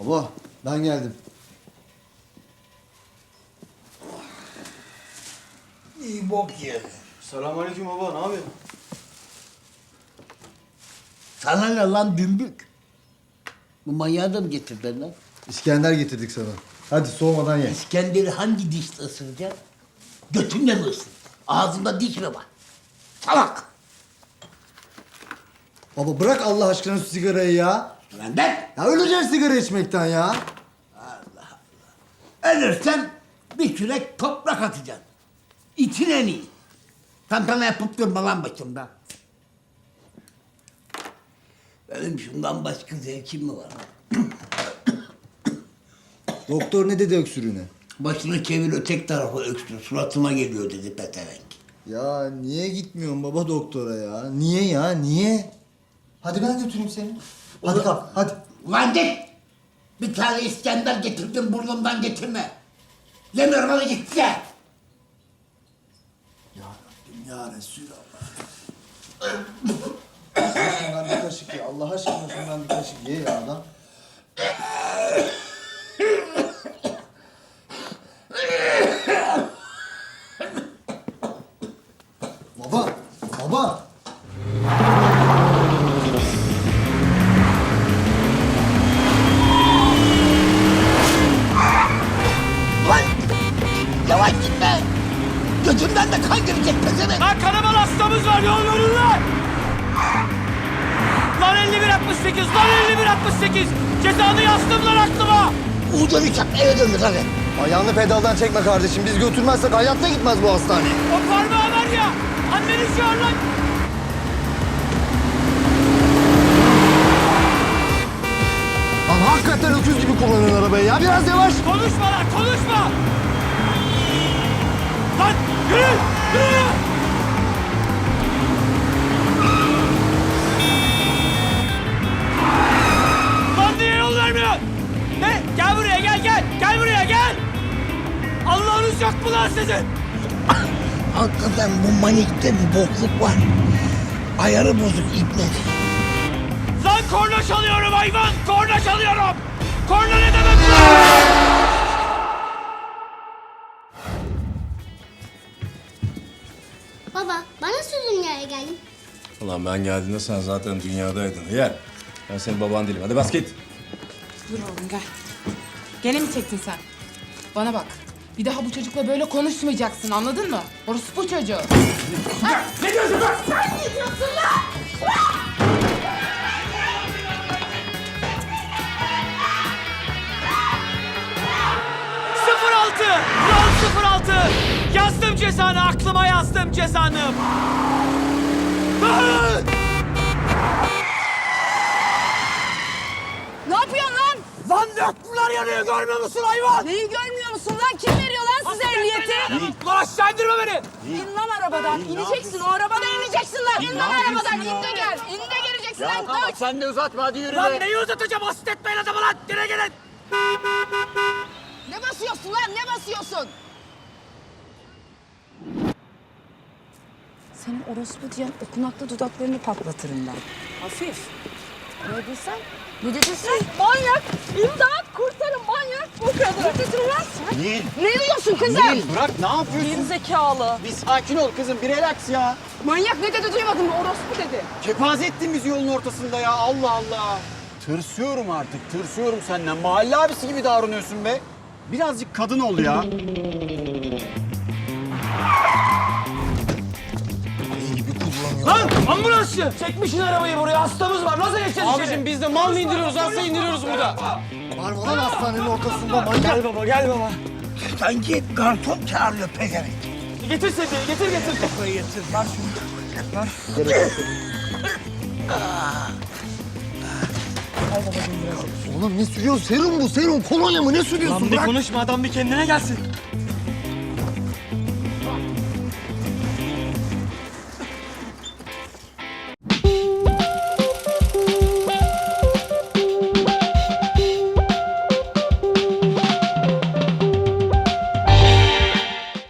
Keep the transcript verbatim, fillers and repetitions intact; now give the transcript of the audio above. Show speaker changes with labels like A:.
A: Baba ben geldim.
B: İyi bok yedi.
A: Selamünaleyküm baba, ne yapıyorsun?
B: Sana ne lan dümbük? Bu manyağı da mı getirdin lan?
A: İskender getirdik sana. Hadi soğumadan ye.
B: İskender'i hangi dişle ısıracaksın? Götünle mi ısır? Ağzında diş mi var? Salak!
A: Baba bırak Allah aşkına şu sigarayı ya.
B: Benden
A: Ya öleceğiz sigara içmekten ya.
B: ölürsen bir kürek toprak atacaksın. İçin en iyi. Tantana yapıp durma lan başımda. Benim şundan başka zevkim mi var?
A: Doktor ne dedi öksürüğüne?
B: Başını çevir ötek tarafa öksür. Suratıma geliyor dedi peterenk.
A: Ya niye gitmiyorsun baba doktora ya? Niye ya, niye? Hadi ben götüreyim seni. Hadi kalk, hadi.
B: Ulan git! Bir tane İskender getirdim burnumdan getirme. Demiyorum hadi git ya.
A: Ya Rabbim ya Resulallah. Şundan bir kaşık ye. Allah aşkına şundan bir kaşık ye ya adam. Baba, baba.
B: Lan! Yavaş gitme! Gözümden de kan girecek pezevenk.
C: Lan kanaman hastamız var, yol verin lan! Lan elli bir altmış sekiz, lan elli bir altmış sekiz! Cezanı yazdım lan aklıma!
B: Uğurcan uçak eve döndü hadi.
A: Ayağını pedaldan çekme kardeşim. Biz götürmezsek hayatta gitmez bu hastaneye.
C: O parmağı var ya, anneni çağır lan!
A: Lan hakikaten öküz gibi kullanın arabayı ya. Biraz yavaş.
C: Konuşma lan, konuşma! Lan yürü, yürü! Lan niye yol vermiyorsun? Ne? Gel buraya, gel, gel! Gel buraya, gel! Allah'ınız yok mu lan sizin?
B: Hakikaten bu manikte bir bokluk var. Ayarı bozuk ibne.
C: Lan korna çalıyorum hayvan! Korna çalıyorum! Korna ne demek lan?
D: Baba, ben nasıl dünyaya geldim?
E: Ulan ben geldiğinde sen zaten dünyadaydın. Yer. Ben senin baban değilim. Hadi bas git.
F: Dur oğlum gel. Gene mi çektin sen? Bana bak. Bir daha bu çocukla böyle konuşmayacaksın anladın mı? Orası bu çocuğu.
C: Ne diyorsun lan?
F: Sen ne diyorsun lan?
C: sıfır altı! Yol sıfır altı! Yazdım cezanı, aklıma yazdım cezanı! Ah!
F: Ne yapıyorsun lan?
C: Lan döktüler yanıyor, görmüyor musun hayvan?
F: Neyi görmüyor musun lan? Kim veriyor lan size ehliyeti?
C: Lan aşağı indirme beni!
F: İn lan arabadan. İneceksin. O arabadan ineceksin lan. İn lan arabadan. İn de gel. İn de geleceksin lan. Koş.
C: Sen de uzatma, hadi yürü. Lan neyi uzatacağım? Asit etmeyin adamı lan! Gire gelin!
F: Ne basıyorsun lan? Ne basıyorsun? Senin orospu diyen okunaklı dudaklarını patlatırım ben. Hafif. Ne dedin sen? Ne dedin sen? Manyak! İmdat! Kurtarın manyak! Bu kadar. Ne dedin lan sen?
G: Nil,
F: Ne diyorsun kızım?
G: Nil bırak ne yapıyorsun?
F: Geri zekalı.
G: Bir sakin ol kızım, bir relax ya.
F: Manyak ne dedi duymadın mı? Orospu dedi.
G: Kepaze ettin bizi yolun ortasında ya, Allah Allah. Tırsıyorum artık, tırsıyorum senden. Mahalle abisi gibi davranıyorsun be. Birazcık kadın ol ya.
C: Lan ambulansçı! Çekmişsin arabayı buraya, hastamız var. Nasıl geçeceğiz içeri?
H: Abicim biz de mal mı indiriyoruz, hasta indiriyoruz burada.
A: Var mı lan hastanenin ortasında manyak?
C: Gel baba, gel baba.
B: Sanki garson çağırıyor pezevenk.
C: Getir seni, getir getir.
B: Kafayı yetir. Ver şunu.
A: Oğlum ne sürüyorsun? Serum bu, serum. Kolonya mı? Ne sürüyorsun?
C: Lan bir konuşma, adam bir kendine gelsin.